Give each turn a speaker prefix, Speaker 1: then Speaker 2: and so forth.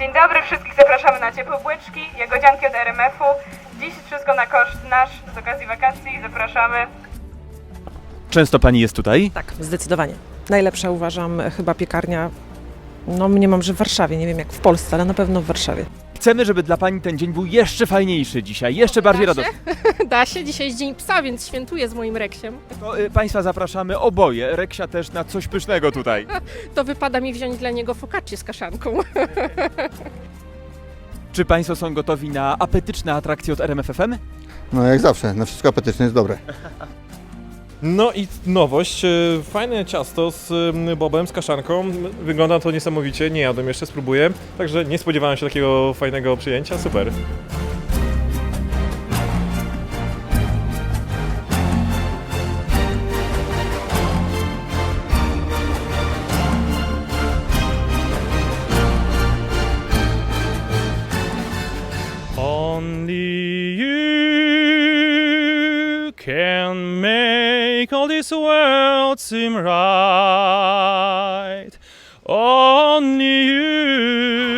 Speaker 1: Dzień dobry, wszystkich zapraszamy na ciepłe bułeczki, jagodzianki od RMF-u. Dziś wszystko na koszt nasz z okazji wakacji. Zapraszamy.
Speaker 2: Często pani jest tutaj?
Speaker 3: Tak, zdecydowanie. Najlepsza uważam chyba piekarnia, no mniemam, że w Warszawie, nie wiem jak w Polsce, ale na pewno w Warszawie.
Speaker 2: Chcemy, żeby dla pani ten dzień był jeszcze fajniejszy dzisiaj, jeszcze bardziej radosny.
Speaker 4: Da się, dzisiaj jest Dzień Psa, więc świętuję z moim Reksiem.
Speaker 2: To państwa zapraszamy oboje, Reksia też na coś pysznego tutaj.
Speaker 4: To wypada mi wziąć dla niego focaccię z kaszanką.
Speaker 2: Czy państwo są gotowi na apetyczne atrakcje od RMF FM?
Speaker 5: No jak zawsze, na wszystko apetyczne jest dobre.
Speaker 6: No i nowość, fajne ciasto z bobem, z kaszanką. Wygląda to niesamowicie, nie jadłem jeszcze, spróbuję. Także nie spodziewałem się takiego fajnego przyjęcia, super. Only you can make all this world seem right. Only you